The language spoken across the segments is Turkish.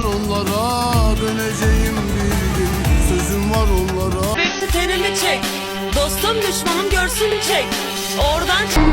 onlara, döneceğim bir gün, sözüm var onlara. Bekle tenini çek, dostum düşmanım görsün çek. Oradan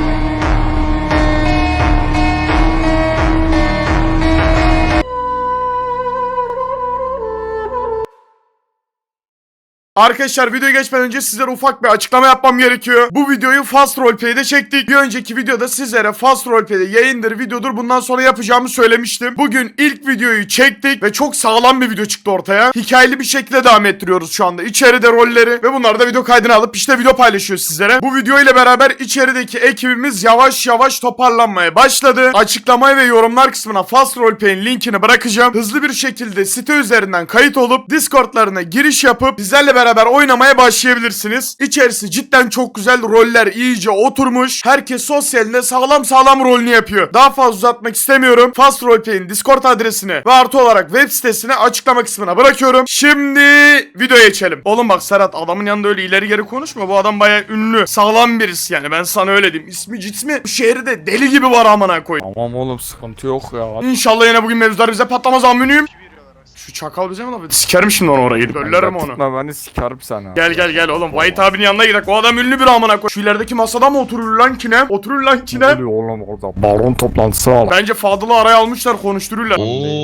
Arkadaşlar videoya geçmeden önce sizlere ufak bir açıklama yapmam gerekiyor. Bu videoyu Fast Roleplay'de çektik. Bir önceki videoda sizlere Fast Roleplay'de yayındır, videodur bundan sonra yapacağımı söylemiştim. Bugün ilk videoyu çektik ve çok sağlam bir video çıktı ortaya. Hikayeli bir şekilde devam ettiriyoruz şu anda. İçeride rolleri ve bunları da video kaydına alıp işte video paylaşıyor sizlere. Bu video ile beraber içerideki ekibimiz yavaş yavaş toparlanmaya başladı. Açıklamaya ve yorumlar kısmına Fast Roleplay'in linkini bırakacağım. Hızlı bir şekilde site üzerinden kayıt olup Discord'larına giriş yapıp bizlerle beraber oynamaya başlayabilirsiniz. İçerisi cidden çok güzel, roller iyice oturmuş. Herkes sosyalinde sağlam sağlam rolünü yapıyor. Daha fazla uzatmak istemiyorum. Fast Roleplay'in Discord adresini ve artı olarak web sitesini açıklama kısmına bırakıyorum. Şimdi videoya geçelim. Oğlum bak Serhat, adamın yanında öyle ileri geri konuşma. Bu adam bayağı ünlü. Sağlam birisi yani, ben sana öyle diyeyim. İsmi cismi bu şehirde deli gibi var amına koyayım. Tamam oğlum, sıkıntı yok ya. İnşallah yine bugün mevzular bize patlamaz aminiyim. Şu çakal bize mi laf ediyor? Sikerim şimdi onu oraya gidip ölürüm onu. Tutma beni, sikerim sana. Gel oğlum, White abinin yanına gidelim. O adam ünlü bir amına koy. Şu ilerideki masada mı oturur lan kinem? Oturur lan Ne kinem. oluyor oğlum orada? Baron toplantısı var. Bence Fadıl'ı araya almışlar, konuştururlar.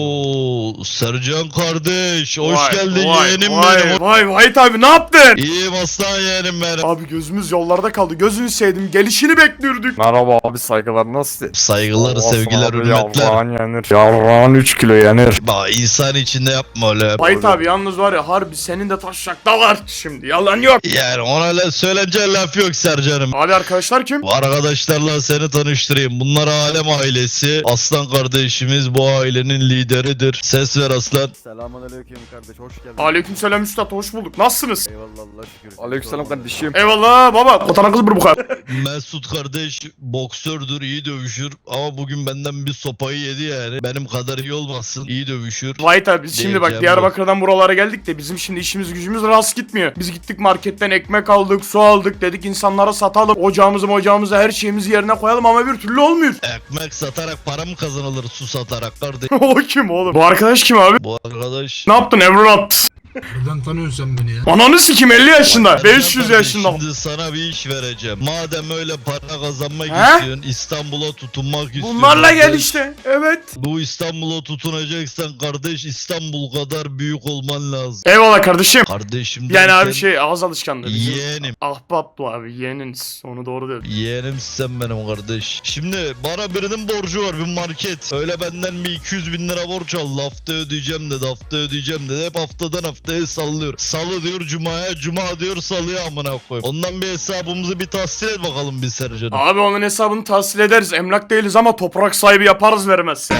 Oo, Sercan kardeş, hoş Vay, geldin vay, yeğenim vay, benim. Vay White abi, ne yaptın? İyiyim aslan yeğenim benim. Abi gözümüz yollarda kaldı. Gözünü sevdim. Gelişini bekliyorduk. Merhaba abi, saygılar, nasıl? Saygılar, Allah sevgiler, sana bir hürmetler. Yavrağın yenir. Yavrağın 3 kilo yenir. Bak insan içinde yapma öyle. White abi yalnız var ya, harbi senin de taşacakta var şimdi. Yalan yok. Yani ona söylenecek laf yok Sercan'ım. Abi arkadaşlar kim? Bu arkadaşlarla seni tanıştırayım. Bunlar Alem ailesi. Aslan kardeşimiz bu ailenin lideridir. Ses ver aslan. Selamünaleyküm kardeş, hoş geldin. Aleykümselam üstad, hoş bulduk. Nasılsınız? Eyvallah, Allah şükür. Aleykümselam kardeşim. Eyvallah baba. Kotana kız bu kadar. Mesut kardeş boksördür, iyi dövüşür. Ama bugün benden bir sopayı yedi yani. Benim kadar iyi olmasın. İyi dövüşür. White abi biz şimdi bak Diyeceğim Diyarbakır'dan buralara geldik de bizim şimdi işimiz gücümüz rast gitmiyor. Biz gittik marketten ekmek aldık, su aldık, dedik insanlara satalım. Ocağımızı her şeyimizi yerine koyalım ama bir türlü olmuyor. Ekmek satarak para mı kazanılır, su satarak kardeş? O kim oğlum? Bu arkadaş kim abi? Bu arkadaş... Ne yaptın evlat? Nereden tanıyorsun sen beni ya? Ananı sikim, 50 yaşında, Sercan 500 kardeş, yaşında. Şimdi sana bir iş vereceğim. Madem öyle para kazanmak He? istiyorsun, İstanbul'a tutunmak istiyorsun. Bunlarla gel kardeş. işte. Evet. Bu İstanbul'a tutunacaksan kardeş, İstanbul kadar büyük olman lazım. Eyvallah kardeşim. Kardeşim Yani abi derken, şey, ağız alışkanlığı. Bizim yeğenim. ahbap bu abi, yeğeniniz. Onu doğru dedin. Yeğenim sen benim kardeş. Şimdi bana birinin borcu var, bir market. Öyle benden bir 200 bin lira borç aldı. Hafta ödeyeceğim dedi, hafta ödeyeceğim dedi. Hep haftadan haftaya sallıyor. Salı diyor cumaya, cuma diyor salıya amına koyayım. Ondan bir hesabımızı bir tahsil et bakalım bir Sercan'ım. Abi onun hesabını tahsil ederiz. Emlak değiliz ama toprak sahibi yaparız vermez.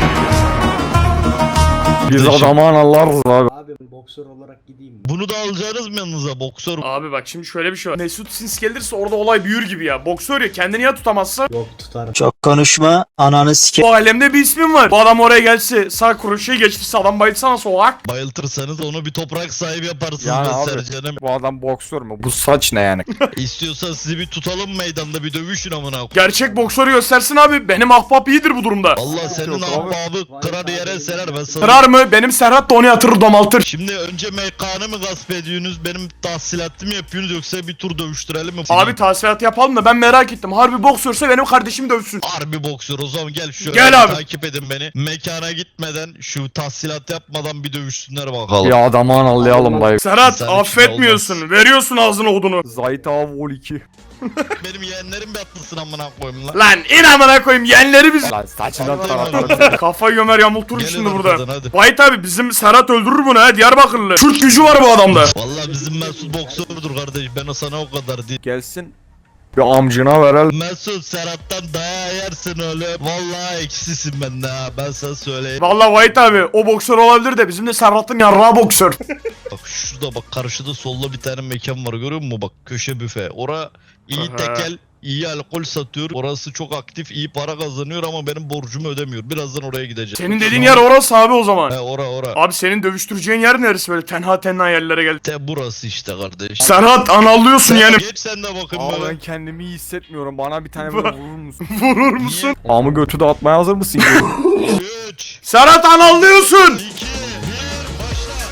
Biz adamı analarız abi. Abi boksör olarak gideyim mi? Bunu da alacaksınız mı yanınıza boksör? Abi bak şimdi şöyle bir şey var. Mesut Sins gelirse orada olay büyür gibi ya. Boksör ya, kendini ya tutamazsa. Yok, tutarım. Çok konuşma, ananı sike. Bu alemde bir ismin var. Bu adam oraya gelse, sağ kroşeyi geçtirse, adam bayılsana solak. Bayıltırsanız onu bir toprak sahibi yaparsınız Yani be abi, Sercan'ım. bu adam boksör mü? Bu saç ne yani? İstiyorsan sizi bir tutalım meydanda, bir dövüşün amına koyayım. Gerçek boksörü göstersin abi. Benim ahbap iyidir bu durumda. Allah senin Yok abi. ahbabı kırar yere serer ben sana. Kırar mı? Benim Serhat da onu yatırır, domaltır. Şimdi önce mekanı mı gasp ediyorsunuz, benim tahsilatımı yapıyorsunuz, yoksa bir tur dövüştürelim mi? Abi tahsilat yapalım da ben merak ettim. Harbi boksörse benim kardeşim dövsün. Harbi boksör, o zaman gel şöyle Gel abi. takip edin beni. Mekana gitmeden, şu tahsilat yapmadan bir dövüşsünler bakalım. Ya adamı analayalım dayı. Serhat Sen affetmiyorsun. için Veriyorsun ağzına odunu. Zahit abi vol 2. Benim yeğenlerim bir atlasın amına koyayım lan. Lan in amına koyayım, yeğenleri biz. Lan saçından Hadi taraftarım. Kafayı gömer yamulturur Gelin şimdi arkadan, burada. hadi. White abi bizim Serhat öldürür bunu ha, Diyarbakırlı. Kürt gücü var bu adamda. Vallahi bizim Mesut boksördür kardeş, ben o sana o kadar değil. Gelsin. Bir amcına verelim. Mesut Serhat'tan dayağı yersin öyle. Vallahi eksisin bende ha, ben sana söyleyeyim. Vallahi White abi o boksör olabilir de bizim de Serhat'ın yarrağı boksör. Bak şurada bak, karşıda solda bir tane mekan var, görüyor musun? Bak köşe büfe. Ora iyi Aha. tekel, iyi alkol satıyor. Orası çok aktif, iyi para kazanıyor ama benim borcumu ödemiyor. Birazdan oraya gideceğim. Senin dediğin yer orası abi o zaman. He ora. Abi senin dövüştüreceğin yer neresi, böyle tenha yerlere geldi. Te burası işte kardeş. Serhat anallıyorsun yani. Geç sen de bakın Abi böyle. ben kendimi iyi hissetmiyorum. Bana bir tane böyle vurur musun? Vurur musun? Amı götü dağıtmaya hazır mısın? 3, Serhat anallıyorsun. 2,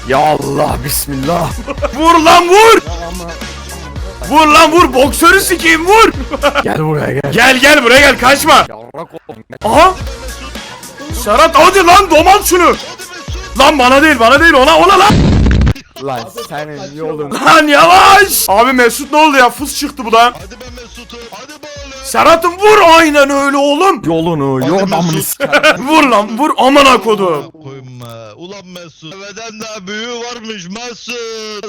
Ya Allah bismillah. Vur lan vur. Vur lan vur. Boksörü sikeyim vur. Gel buraya gel. Gel buraya gel kaçma. Yavrak oğlum. Aha. Serhat hadi lan domal şunu. Lan bana değil ona lan. Lan senin yolun. Lan yavaş. Abi Mesut ne oldu ya? Fıs çıktı bu da. Hadi be Mesut'um. Hadi be oğlum. Serhat'ım vur aynen öyle oğlum. Yolunu Hadi yordamını Mesut. sikerim. Vur lan vur amına kodum. Koyma. Ulan Mesut. Deveden daha büyüğü varmış Mesut.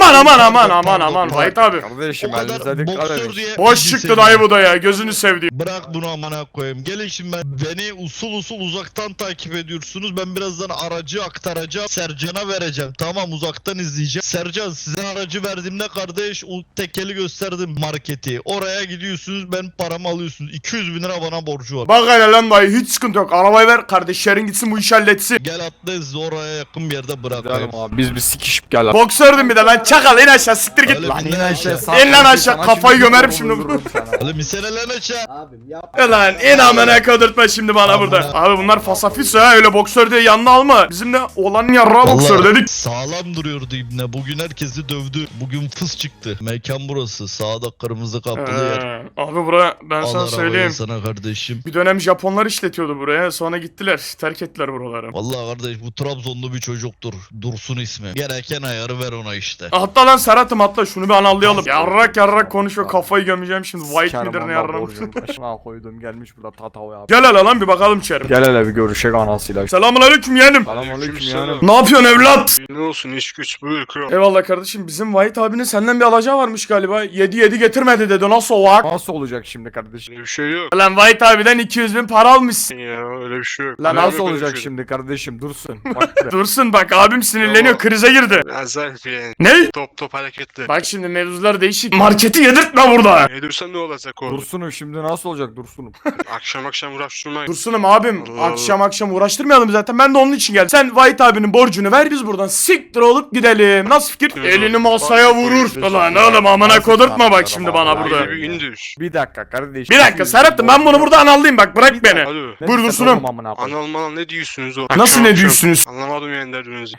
Aman Vahit abi. Kardeşim O kadar elinize dikkat boksör edin. diye Boş bizi çıktı seviyor. dayı bu da ya gözünü sevdiğim. Bırak bunu amına koyayım. Gelin şimdi beni usul uzaktan takip ediyorsunuz. Ben birazdan aracı aktaracağım. Sercan'a vereceğim. Tamam uzaktan izleyeceğim. Sercan size aracı verdiğimde kardeş o tekeli gösterdim marketi. Oraya gidiyorsunuz ben paramı alıyorsunuz. 200 bin lira bana borcu var. Bak hele lan dayı hiç sıkıntı yok. Arabayı ver kardeşlerin gitsin bu işi halletsin. Gel atla sizi oraya yakın bir yerde bırakayım. Gidelim abi biz bir sikişip gel. Boksördüm bir de lan çakal in aşağı siktir git. Öyle Lan bir aşağı. İn lan aşağı, kafayı gömerim şimdi. Oğlum misaleler aşağı. Abim yapma. Lan in amına kodurtma şimdi bana Amına. burada. Abi bunlar fasafis ha öyle boksör diye yanına alma. Bizim de olan yarrağı boksör Vallahi dedik. sağlam duruyordu ibne. Bugün herkesi dövdü. Bugün fıs çıktı. Mekan burası. Sağda kırmızı kapılı yer. Abi buraya ben Al sana arabayı söyleyeyim. sana kardeşim. Bir dönem Japonlar işletiyordu buraya sonra gittiler. Terk ettiler buraları. Vallahi kardeş bu Trabzonlu bir çocuktur. Dursun ismi. Gereken ayarı ver ona işte. Hatta lan Serhat'ım atla şunu bir analayalım. Yarrak konuşuyor kafayı gömeceğim şimdi. White midir ne yarram. Başına koydum gelmiş burada tatava ya. Gel hele lan bir bakalım içeri. Gel hele bir görüşek anasıyla. Selamünaleyküm yeğenim. Selamünaleyküm yani. Ne yapıyorsun evlat? Ne olsun iş güç buyur kral. Eyvallah kardeşim bizim White abinin senden bir alacağı varmış galiba. 7 getirmedi dedi nasıl o vak? Nasıl olacak şimdi kardeşim? Öyle bir şey yok. Lan White abiden 200 bin para almışsın. Ya öyle bir şey yok. Lan Öyle Nasıl bir olacak şey. şimdi kardeşim dursun. Bak be. Dursun bak abim sinirleniyor Tamam. krize girdi. Azayip yani. Ne? Top hareketli. Bak şimdi mevzular değişik. Marketi yedirtme burada. Ne diyorsan ne olacak orada? Dursun'um şimdi nasıl olacak Dursun'um? Akşam uğraştırmayın. Dursun'um abim Allah akşam uğraştırmayalım zaten ben de onun için geldim. Sen White abinin borcunu ver biz buradan siktir olup gidelim. Nasıl fikir? Güzel. Elini masaya vurur. Ulan oğlum amına kodurtma bak şimdi bana burada. Haydi bir indir. Bir dakika kardeşim. Bir dakika Serhat'ım ben bunu buradan alayım bak bırak beni. Alo. Buyur Dursun'um. Anal manal ne diyorsunuz o? Nasıl Akşam ne akşam. diyorsunuz? Anlamadım yani derdinizi.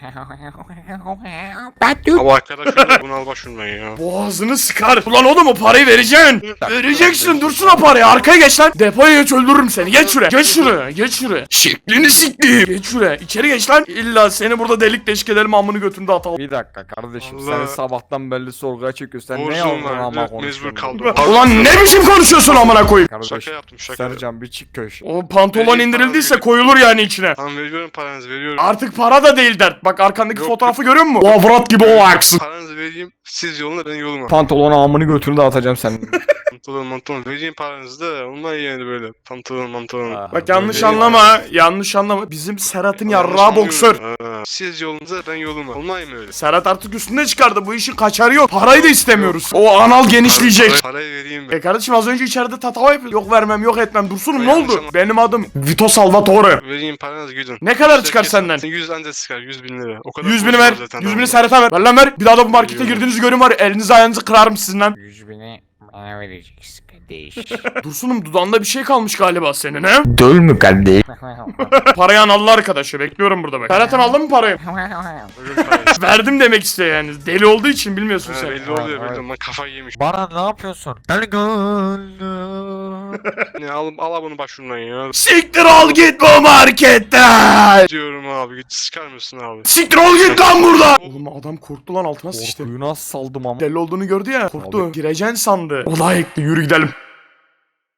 Ama arkadaşım bunu al başımdan ya. Boğazını sıkar. Ulan oğlum o parayı vereceksin. Vereceksin dursun o parayı. Arkaya geç lan. Depoya geç öldürürüm seni. Geç şuraya. Geç şuraya. Geç şuraya. Şeklini siktir. Geç şuraya. İçeri geç lan. İlla seni burada delik deşik edelim amını götünde atalım. Bir dakika kardeşim Allah. seni sabahtan belli sorguya çekiyorsun. Sen ne Borcum yazdın var. ama Mecbur konuşuyorsun? kaldım. Ulan ne biçim konuşuyorsun amına koyayım. Kardeşim Şaka yaptım şaka. Sercan bir çık köşe. O pantolon Vereyim indirildiyse paranı. koyulur yani içine. Tamam veriyorum paranızı veriyorum. Artık para da değil dert. Bak arkandaki Yok, fotoğrafı görüyor musun? O avrat gibi o aksın. Paranızı vereyim. Siz yoluna ben yoluma. Pantolonu amını götünü de atacağım senin. Pantolon vereyim paranızı da olmaz yani böyle. Pantolon. Bak yanlış Öyle anlama. Yanlış anlama. Bizim Serhat'ın Yanlış yarrağı boksör. anlıyorum. Ha. Siz yolunuza ben yoluma. Olmaz mı öyle? Serhat artık üstüne çıkardı. Bu işin kaçarı yok. Parayı da istemiyoruz. O anal genişleyecek. Parayı vereyim ben. Kardeşim az önce içeride tatava yapıyor. Yok vermem yok etmem. Dursunum ne Yanlış oldu? ama. Benim adım Vito Salvatore. Vereyim paranızı gidin. Ne kadar çıkar senden? 100 anca çıkar 100 bin lira. O kadar 100 bini borcum ver. var zaten 100 bini adamda. Serhat'a ver. Ver lan ver. Bir daha da bu markete Veriyorum. girdiğinizi görün var. ya, Elinizi ayağınızı kırarım sizin lan. 100 bini bana vereceksin kardeş. Dursunum dudağında bir şey kalmış galiba senin he? Döl mü kardeş? Parayı analı arkadaşı. Bekliyorum burada bak. Serhat'ın aldın mı parayı? Veriyorum parayı. Verdim demek istiyor yani. Deli olduğu için bilmiyorsun Ha, sen. belli oluyor belli. Ben kafayı yemiş. Bana ne yapıyorsun? El Ne al bunu başımdan ya. Siktir ol git bu marketten. Diyorum abi git sıkar mısın abi? Siktir ol git lan burada. Oğlum adam korktu lan altına sıçtı. Korkuyu nasıl saldım ama? Deli olduğunu gördü ya. Korktu. Gireceksin sandı. Olay ekli yürü gidelim.